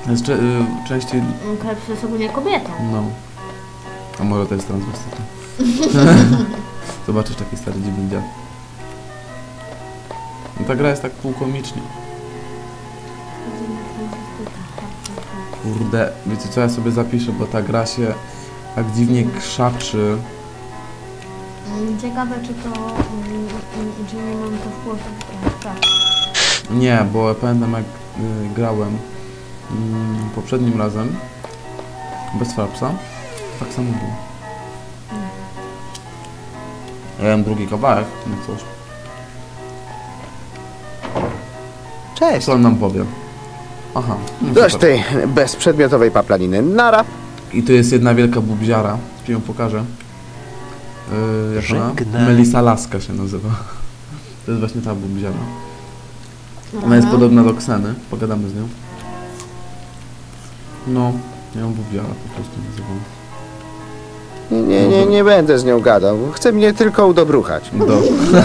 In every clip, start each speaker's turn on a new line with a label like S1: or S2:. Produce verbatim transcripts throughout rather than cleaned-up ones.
S1: Jest cze- y, częściej...
S2: Krebs jest ogólnie kobietą.
S1: No. A może to jest transwestyta. Zobaczysz taki stary dziwny dziad. No ta gra jest tak półkomicznie. Kurde, wiecie co, ja sobie zapiszę, bo ta gra się tak dziwnie krzaczy.
S2: Ciekawe, czy to... czy nie mam to wpływu. Tak.
S1: Nie, bo ja pamiętam jak y, grałem y, poprzednim razem bez Frapsa, tak samo było. Ja mam drugi kawałek, no cóż.
S3: Cześć.
S1: Co on nam powie? Aha. No
S3: Dość
S1: super.
S3: tej bezprzedmiotowej paplaniny. Nara.
S1: I tu jest jedna wielka bubziara, ci ją pokażę. Yy, jak ona?
S4: Żegnaj.
S1: Melisa Laska się nazywa. To jest właśnie ta bubziara. Ona
S2: Aha.
S1: jest podobna do Kseny, pogadamy z nią. No, ja ją bubziara po prostu nazywam.
S3: Nie, nie, nie, nie będę z nią gadał. Chce mnie tylko udobruchać.
S1: Do.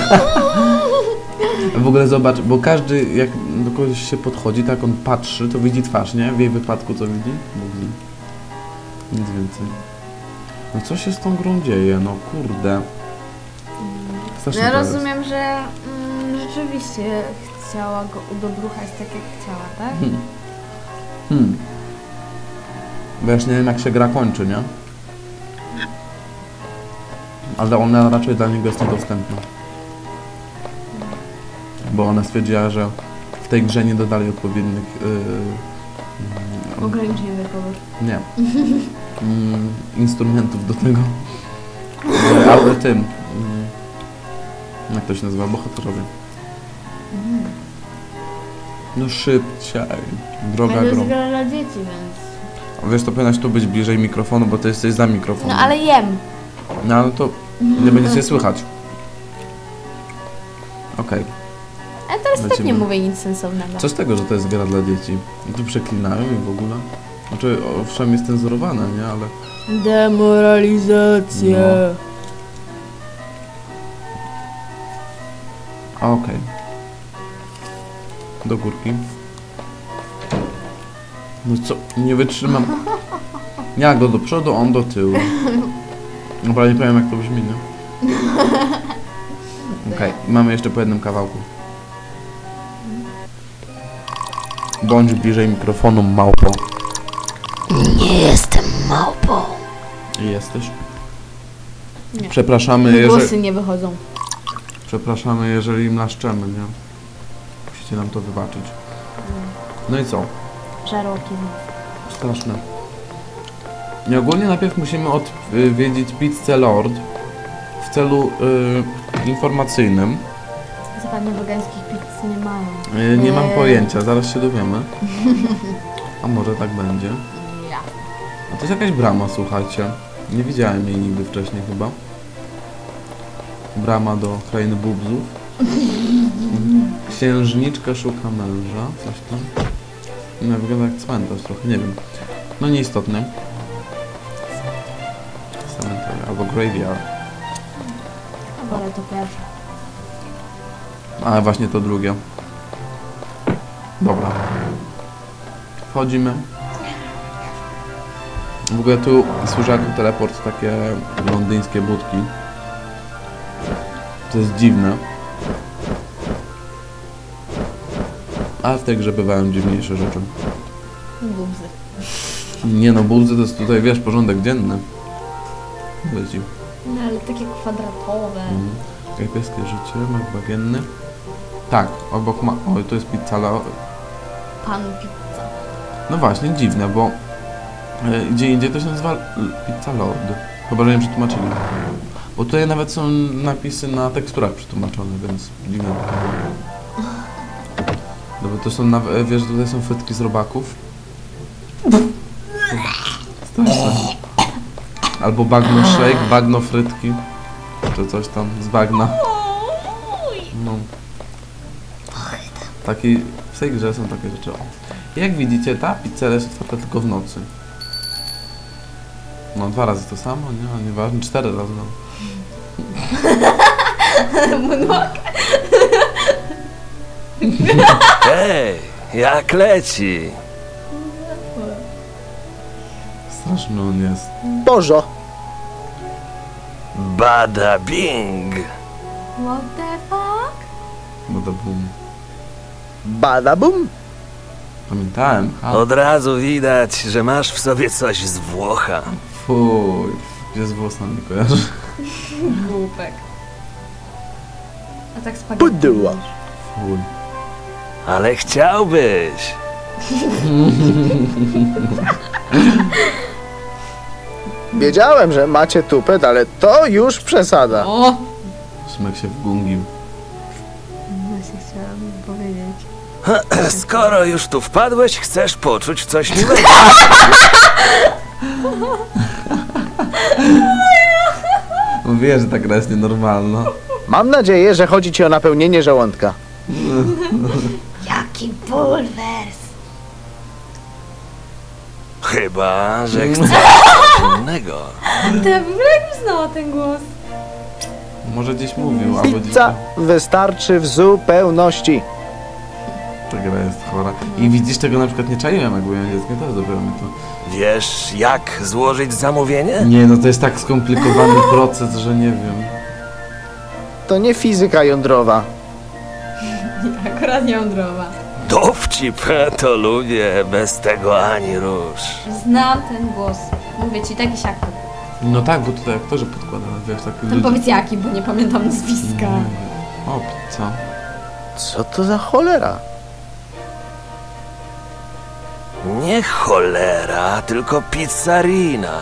S1: W ogóle zobacz, bo każdy jak do kogoś się podchodzi, tak on patrzy, to widzi twarz, nie? W jej wypadku co widzi? Mówi. Nic więcej. No co się z tą grą dzieje? No kurde. Strasznie
S2: Ja
S1: to jest.
S2: rozumiem, że mm, rzeczywiście chciała go udobruchać tak jak chciała, tak?
S1: Hmm. Hmm. Bo ja już nie wiem jak się gra kończy, nie? Ale ona raczej dla niego jest niedostępna. Bo ona stwierdziła, że w tej grze nie dodali odpowiednich... Yy, yy,
S2: Ograniczeń wiekowych.
S1: nie. Mm, instrumentów do tego. Yy, ale tym... Yy, jak to się nazywa? Bohaterowie. No szybciej. Droga
S2: Ale to
S1: grą.
S2: jest gra dla dzieci, więc...
S1: Wiesz, to powinnaś tu być bliżej mikrofonu, bo ty jesteś za mikrofonem.
S2: No ale jem.
S1: No ale to nie będziecie słychać. Okej.
S2: Ale teraz tak
S1: Lecimy.
S2: nie mówię nic sensownego.
S1: Co z tego, że to jest gra dla dzieci? I tu przeklinają i w ogóle? Znaczy, owszem jest cenzurowane, nie? Ale...
S2: Demoralizacja.
S1: A, okej. Do górki. No co? Nie wytrzymam. Ja go do przodu, on do tyłu. Dobra, nie powiem jak to brzmi, nie? Okej, mamy jeszcze po jednym kawałku. Bądź bliżej mikrofonu, małpo.
S2: Nie jestem małpą.
S1: Jesteś?
S2: Nie.
S1: Przepraszamy,
S2: Głosy
S1: jeżeli...
S2: nie wychodzą.
S1: Przepraszamy, jeżeli mlaszczemy, nie? Musicie nam to wybaczyć. No i co?
S2: Żarłoki.
S1: Straszne. I ogólnie najpierw musimy odwiedzić Pizzę Lord w celu y, informacyjnym.
S2: Zapewne wegańskich pizz nie mają.
S1: Y, nie mam
S2: Eee.
S1: pojęcia, zaraz się dowiemy. A może tak będzie.
S2: Ja.
S1: A to jest jakaś brama, słuchajcie. Nie widziałem jej nigdy wcześniej chyba. Brama do krainy bubzów. Mhm. Księżniczka szuka męża. Coś tam. No, wygląda jak cmentarz trochę, nie wiem. No nieistotne. Cemetery albo graveyard.
S2: Ale to pierwsze.
S1: A właśnie to drugie. Dobra. Wchodzimy. W ogóle tu służy jako teleport takie londyńskie budki. To jest dziwne. Ale w tej grze bywają dziwniejsze rzeczy.
S2: Bubzy.
S1: Nie no, bubzy to jest tutaj, wiesz, porządek dzienny. Leci.
S2: No ale takie kwadratowe.
S1: Mhm. Kajpieskie życie, mak bagienny. Tak, obok ma... Oj, to jest pizza la...
S2: Pan pizza.
S1: No właśnie, dziwne, bo e, gdzie indziej to się nazywa L- Pizza Lord. Chyba, że nie przetłumaczyli. Bo tutaj nawet są napisy na teksturach przetłumaczone, więc dziwne. Dobra, to są, naw- wiesz, tutaj są frytki z robaków. Straszne. Albo bagno shake, bagno frytki. Czy coś tam z bagna. No. Taki, w tej grze są takie rzeczy. O. Jak widzicie, ta pizzeria jest otwarta tylko w nocy. No, dwa razy to samo, nie? Ale nieważne, cztery razy. No.
S4: Hej, jak leci?
S1: Straszny on jest.
S3: Bożo.
S4: Bada bing!
S2: What the fuck?
S1: No to bum.
S3: Badabum.
S1: Pamiętałem. A,
S4: Od razu widać, że masz w sobie coś z Włocha.
S1: fuj. Gdzie z włosami kojarzy?
S2: Głupek. A tak spaghetti.
S3: Pudło.
S1: Fuj.
S4: Ale chciałbyś.
S3: Wiedziałem, że macie tupet, ale to już przesada.
S2: O!
S1: Szymek się wgungił.
S2: Właśnie chciałam powiedzieć.
S4: Skoro już tu wpadłeś, chcesz poczuć coś miłego.
S1: Mówię, że ta gra jest nienormalna.
S3: Mam nadzieję, że chodzi ci o napełnienie żołądka.
S2: Jaki bulwers!
S4: Chyba, że chcesz coś innego.
S2: Ty w ogóle jak znała ten głos?
S1: Może gdzieś mówił, albo gdzieś...
S3: Pizza wystarczy w zupełności.
S1: Ta gra jest chora. I widzisz, tego na przykład nie czaiłem, jak byłem dzieckiem, to dopiero mi to...
S4: Wiesz, jak złożyć zamówienie?
S1: Nie, no to jest tak skomplikowany proces, że nie wiem.
S3: To nie fizyka jądrowa.
S2: Akurat jądrowa.
S4: Dowcip, to lubię, bez tego ani rusz.
S2: Znam ten głos. Mówię ci, taki siak.
S1: No tak, bo tutaj aktorzy podkładają, wiesz, tak
S2: Ten powiedz jaki, bo nie pamiętam nazwiska.
S1: O, pizza.
S3: Co to za cholera?
S4: Nie cholera, tylko pizzarina.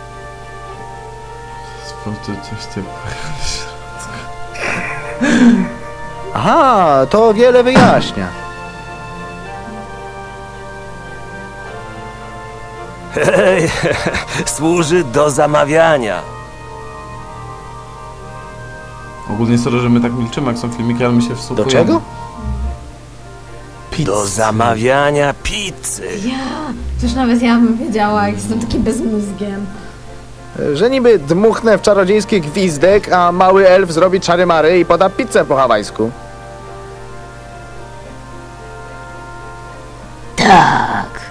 S1: Sprawdźcie coś ciepłego w środku.
S3: Aha, to wiele wyjaśnia.
S4: Hej, służy do zamawiania.
S1: Ogólnie sorry, że my tak milczymy, jak są filmiki, ale my się wsłuchujemy.
S3: Do czego?
S1: Pizza.
S4: Do zamawiania pizzy.
S2: Ja, już nawet ja bym wiedziała, jak jestem takim bezmózgiem.
S3: Że niby dmuchnę w czarodziejski gwizdek, a mały elf zrobi czary-mary i poda pizzę po hawajsku.
S2: Tak.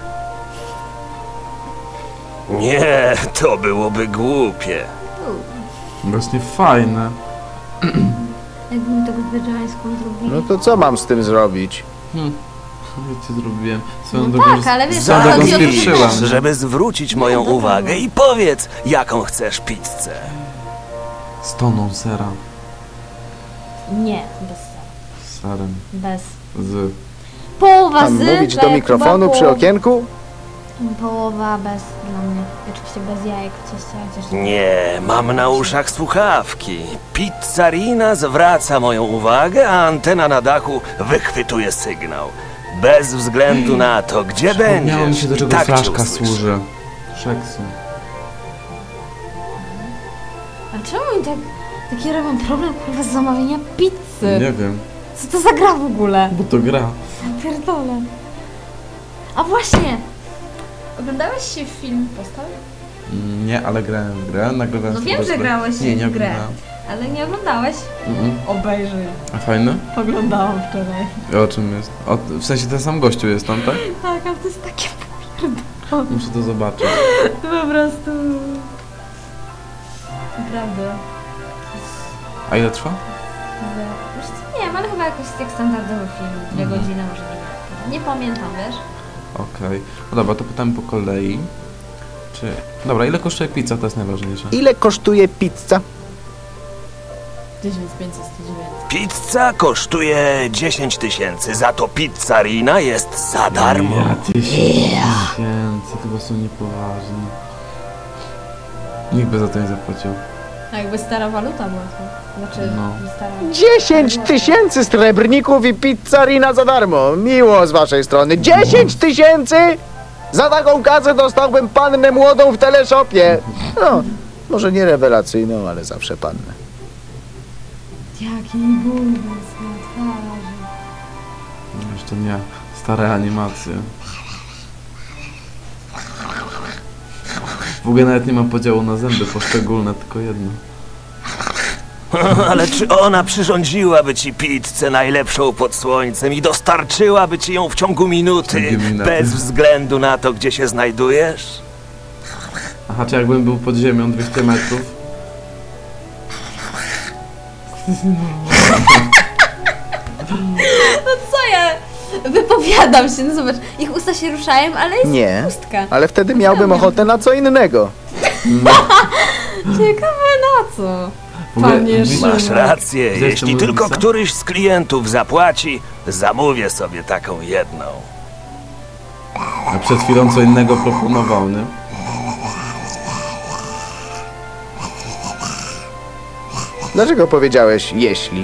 S4: Nie, to byłoby głupie.
S1: Właśnie fajne.
S2: Jakbym tego wegańską zrobili.
S3: No to co mam z tym zrobić?
S1: Hm. Wiecie, zrobiłem. Swoją
S2: No
S1: drogą,
S2: tak, ale wiesz,
S1: swoją
S2: ale
S1: drogą
S2: chodzi o to,
S1: spieprzyłam.
S2: że-
S1: nie?
S4: Żeby zwrócić moją
S2: No dobra.
S4: uwagę i powiedz, jaką chcesz pizzę.
S1: Z toną sera.
S2: Nie, bez sera.
S1: Serem.
S2: Bez.
S1: Z...
S2: Połowa
S3: Mam
S2: z...
S3: mówić
S2: to
S3: do
S2: jak
S3: mikrofonu
S2: chyba
S3: przy
S2: poł-
S3: okienku?
S2: Połowa bez dla mnie. Oczywiście bez jajek w cieście, chociaż...
S4: Nie, mam na uszach słuchawki. Pizzarina zwraca moją uwagę, a antena na dachu wychwytuje sygnał. Bez względu na to, gdzie
S1: Miałem
S4: będziesz,
S1: się do
S4: i
S1: czego
S4: tak cię
S1: flaszka
S4: usłyszę.
S1: służy. Szeksu.
S2: A czemu oni tak... Taki robią problem, kurwa, z zamawiania pizzy?
S1: Nie wiem.
S2: Co to za gra w ogóle?
S1: Bo to gra.
S2: Ja pierdolę. A właśnie! Oglądałeś się w film Postał?
S1: Mm, Nie, ale grałem w grę. Nagrywałem
S2: No
S1: sobie
S2: wiem, że
S1: grę.
S2: grałeś
S1: Nie, nie
S2: w grę.
S1: oglądałem.
S2: Ale nie oglądałeś?
S1: Mm-mm.
S2: Obejrzyj.
S1: A fajne?
S2: Oglądałam wczoraj.
S1: O czym jest? O, w sensie ten sam gościu jest tam, tak?
S2: Tak, ale to jest takie
S1: Muszę to zobaczyć.
S2: po prostu... Naprawdę.
S1: A ile trwa?
S2: Że- Już nie wiem, ale chyba jakoś jak standardowy film. Dwie
S1: Mhm.
S2: godziny, może nie. Nie pamiętam, wiesz?
S1: Okej. No dobra, to pytamy po kolei. Czy... Dobra, ile kosztuje pizza? To jest najważniejsze.
S3: Ile kosztuje pizza?
S2: tysiąc pięćset sto dziewięć.
S4: Pizza kosztuje dziesięć tysięcy, za to pizzarina jest za darmo.
S1: Ja tysiąc tysięcy, chyba są niepoważni. Nikt by za to nie zapłacił.
S2: A jakby stara waluta była to. Znaczy,
S1: No.
S2: stara...
S3: dziesięć tysięcy srebrników i pizzarina za darmo. Miło z waszej strony. dziesięć tysięcy? Za taką kasę dostałbym pannę młodą w teleshopie. No, może nie rewelacyjną, ale zawsze pannę.
S2: Jaki bulwers na twarzy.
S1: No, jeszcze nie. Stare animacje. W ogóle nawet nie ma podziału na zęby poszczególne, tylko jedno.
S4: Ale czy ona przyrządziłaby ci pizzę najlepszą pod słońcem i dostarczyłaby ci ją w ciągu minuty,
S1: W ciągu minuty.
S4: bez względu na to, gdzie się znajdujesz?
S1: Aha, czy jakbym był pod ziemią dwieście metrów?
S2: No co ja? Wypowiadam się, no zobacz, ich usta się ruszają, ale jest
S3: Nie,
S2: pustka.
S3: ale wtedy miałbym ochotę na co innego.
S2: Ciekawe na co?
S1: W ogóle
S2: Panie
S1: dziś-
S4: Masz
S2: Szymon.
S4: rację,
S1: Gdzie jest
S4: jeśli
S1: ta
S4: tylko
S1: mównica?
S4: któryś z klientów zapłaci, zamówię sobie taką jedną.
S1: A przed chwilą co innego proponował, nie?
S3: Dlaczego powiedziałeś jeśli?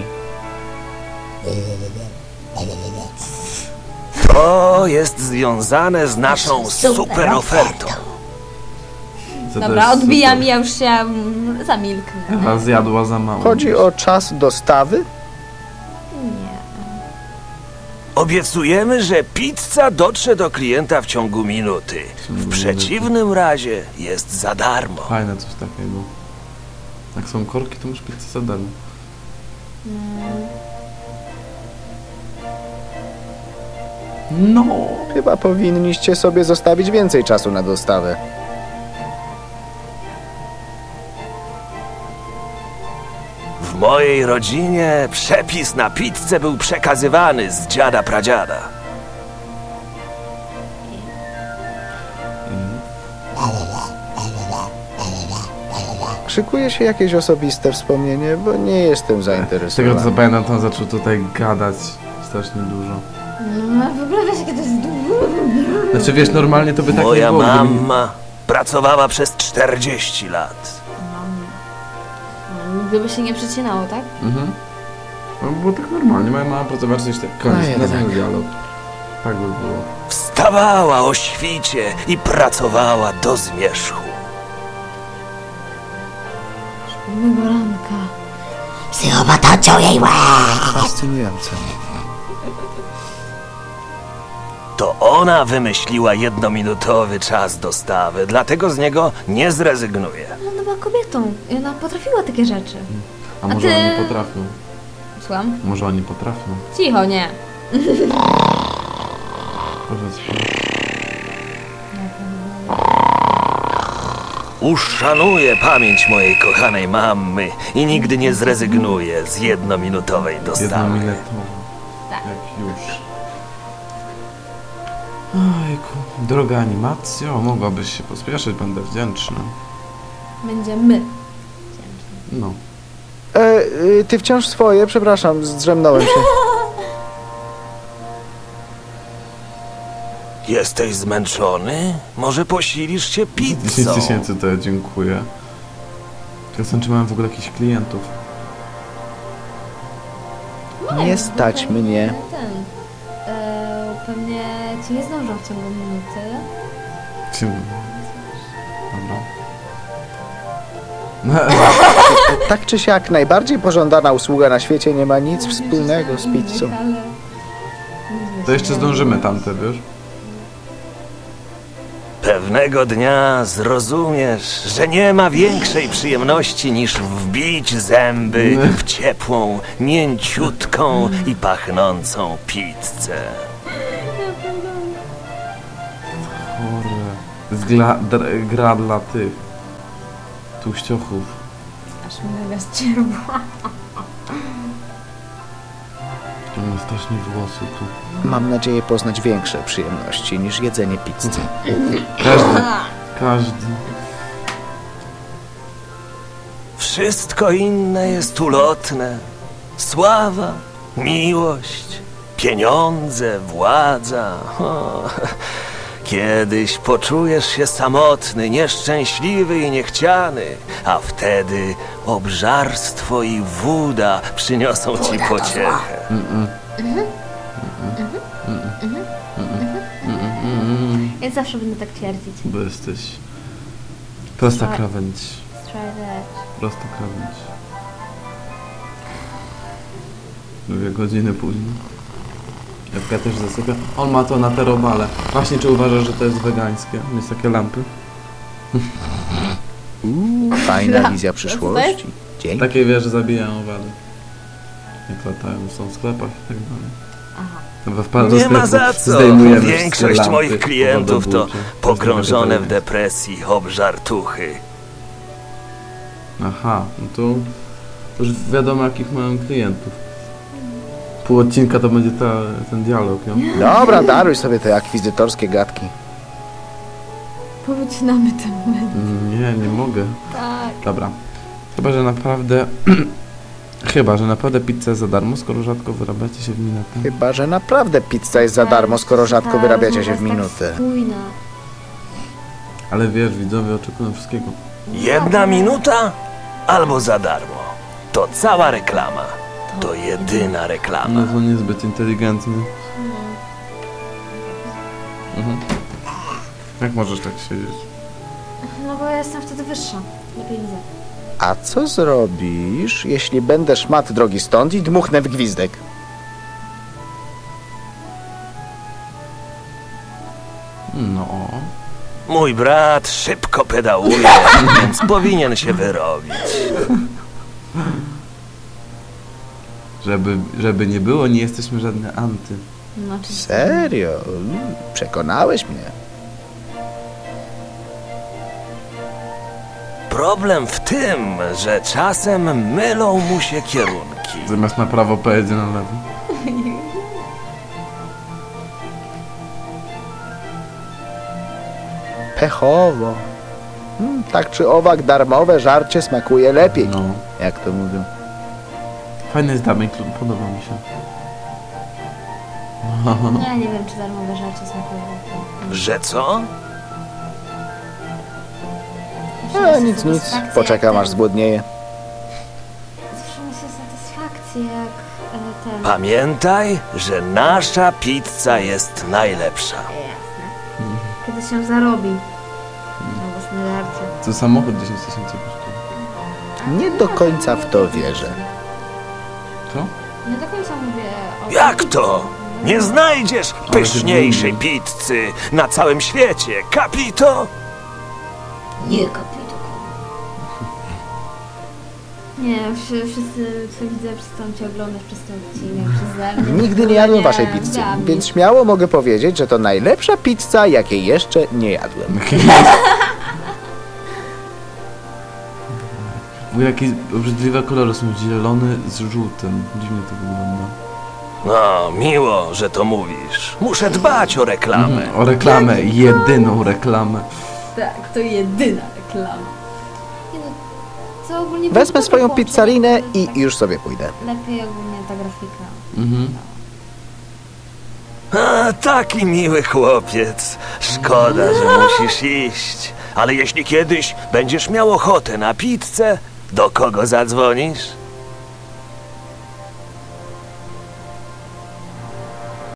S4: To jest związane z naszą super ofertą.
S1: Co to
S2: Dobra,
S1: jest
S2: odbijam
S1: super.
S2: i ja już się mm, zamilknę.
S1: Ewa zjadła za mało.
S3: Chodzi o czas dostawy?
S2: Nie.
S4: Obiecujemy, że pizza dotrze do klienta w ciągu minuty. W przeciwnym razie jest za darmo.
S1: Fajne coś takiego. Jak są korki, to masz pizzę za darmo. No.
S3: Chyba powinniście sobie zostawić więcej czasu na dostawę.
S4: W mojej rodzinie przepis na pizzę był przekazywany z dziada pradziada.
S3: Szykuje się jakieś osobiste wspomnienie, bo nie jestem
S1: Z tego
S3: zainteresowany.
S1: co pamiętam, to on zaczął tutaj gadać strasznie dużo.
S2: No, w ogóle wiesz, jakie to jest dużo.
S1: Znaczy wiesz, normalnie to by tak
S4: Moja
S1: nie było. gdyby-
S4: mama pracowała przez czterdzieści lat.
S2: No, gdyby się nie przecinało, tak?
S1: Mhm. No było tak normalnie, moja mama pracowała coś tak. Koniec,
S3: No jednak.
S1: następny dialog. Tak by było.
S4: Wstawała o świcie i pracowała do zmierzchu.
S2: Pewnego ranka.
S5: Psychopata ciął jej łeb.
S3: Fascynujące.
S4: To ona wymyśliła jednominutowy czas dostawy, dlatego z niego nie zrezygnuje.
S2: No, ona była kobietą i ona potrafiła takie rzeczy.
S1: A może
S2: ty-
S1: oni potrafią?
S2: Słucham?
S1: Może oni potrafią?
S2: Cicho, nie.
S1: Powiedz.
S4: Uszanuję pamięć mojej kochanej mamy i nigdy nie zrezygnuję z jednominutowej dostawy.
S1: Jednominutowo.
S2: Tak.
S1: Jak już. Ojku. Droga animacjo, mogłabyś się pospieszyć, będę wdzięczny.
S2: Będziemy.
S1: No.
S3: E, y, ty wciąż swoje? Przepraszam, zdrzemnąłem się.
S4: Jesteś zmęczony? Może posilisz się
S1: dziesięć
S4: pizzą?
S1: tysięcy to ja dziękuję. Zastanawiam, czy mam w ogóle jakichś klientów.
S3: Nie stać mnie.
S2: Ten. E, pewnie ci nie zdążą w ciągu minuty.
S1: Czym? Dobra.
S3: Tak czy siak, najbardziej pożądana usługa na świecie nie ma nic wspólnego z pizzą.
S1: To jeszcze zdążymy tamte, wiesz?
S4: Pewnego dnia zrozumiesz, że nie ma większej przyjemności niż wbić zęby w ciepłą, mięciutką i pachnącą pizzę.
S1: Kurde. To jest gra, dr, gra dla tych tłuściochów.
S2: Aż mi mega ścierła.
S1: To mam strasznie włosy tu.
S3: Mam nadzieję poznać większe przyjemności niż jedzenie pizzy.
S1: Każdy, każdy.
S4: Wszystko inne jest ulotne. Sława, miłość, pieniądze, władza. O, kiedyś poczujesz się samotny, nieszczęśliwy i niechciany, a wtedy obżarstwo i woda przyniosą ci pociechę.
S2: Ja zawsze będę tak twierdzić.
S1: Bo jesteś prosta
S2: Tak.
S1: krawędź.
S2: Straight edge.
S1: Prosta krawędź. Dwie godziny później. Ewka też zasypia. On ma to na te robale. Właśnie, czy uważasz, że to jest wegańskie? Jest takie lampy?
S3: Fajna wizja przyszłości. Dzięki.
S1: Takie, wiesz, że zabijają owady. Jak latają, są w sklepach i tak dalej.
S2: Aha.
S1: Dobra, wpadł do
S4: Nie ma
S1: sklepu,
S4: za co.
S1: zdejmujemy wszystkie
S4: Większość
S1: lampy
S4: moich klientów to
S1: powodobójcze.
S4: pogrążone w
S1: Teraz
S4: depresji obżartuchy.
S1: Aha, no to to już wiadomo jakich mają klientów. Pół odcinka to będzie ta, ten dialog, nie?
S3: Dobra, daruj sobie te akwizytorskie gadki.
S2: Powycinamy ten moment.
S1: Mm, Nie, nie mogę.
S2: Tak.
S1: Dobra. Chyba, że naprawdę... Chyba, że naprawdę pizza jest za darmo, skoro rzadko wyrabiacie się w minutę.
S3: Chyba, że naprawdę pizza jest za darmo, skoro rzadko
S2: Ta
S3: wyrabiacie się w
S2: rozmowa jest
S3: minutę.
S2: Tak spójna.
S1: Ale wiesz, widzowie oczekują wszystkiego.
S4: Jedna minuta albo za darmo. To cała reklama. To jedyna reklama.
S1: No to niezbyt inteligentny. Mhm. Jak możesz tak siedzieć?
S2: No bo ja jestem wtedy wyższa. Lepiej widzę.
S3: A co zrobisz, jeśli będę szmat drogi stąd i dmuchnę w gwizdek?
S1: No.
S4: Mój brat szybko pedałuje, więc powinien się wyrobić.
S1: Żeby, żeby nie było, nie jesteśmy żadne anty.
S2: No oczywiście.
S3: Serio? Mm, Przekonałeś mnie.
S4: Problem w tym, że czasem mylą mu się kierunki.
S1: Zamiast na prawo pojedzie na lewo.
S3: Pechowo. Hmm, tak czy owak, darmowe żarcie smakuje lepiej,
S1: No.
S3: jak to mówią.
S1: Fajny jest Damian, podoba mi się.
S2: Ja nie wiem, czy darmowe żarcie smakują.
S4: Że co?
S3: E, nic, nic. Poczekam, aż zgłodnieje.
S2: Zawsze mi się satysfakcję, jak e, ten...
S4: Pamiętaj, że nasza pizza jest najlepsza.
S2: Jasne. Kiedy się zarobi. Na własne żarcie.
S1: To samochód dziesięć tysięcy kosztuje.
S3: Nie do końca w to wierzę.
S1: Co?
S2: Nie do końca mówię o...
S4: Jak to? Nie znajdziesz pyszniejszej pizzy na całym świecie, kapito?
S5: Nie kapito.
S2: Nie, wszy- wszyscy twoi widzowie przestaną cię oglądać przez ten odcinek, przeze mnie.
S3: Nigdy nie jadłem
S2: Nie,
S3: waszej pizzy,
S2: dla mnie.
S3: więc śmiało mogę powiedzieć, że to najlepsza pizza, jakiej jeszcze nie jadłem.
S1: Bo jakieś obrzydliwe kolory są zielony z żółtym. Dziwnie to wygląda.
S4: No, miło, że to mówisz. Muszę dbać o reklamę.
S1: Mhm, o reklamę, jedyną reklamę.
S2: Tak, to jedyna reklama. Nie no, co ogólnie...
S3: Wezmę
S2: było
S3: swoją
S2: dobre
S3: pizzarinę
S2: połączenie,
S3: i
S2: tak
S3: już sobie pójdę.
S2: Lepiej ogólnie ta grafika.
S1: Mhm.
S4: A, taki miły chłopiec. Szkoda, że musisz iść. Ale jeśli kiedyś będziesz miał ochotę na pizzę, do kogo zadzwonisz?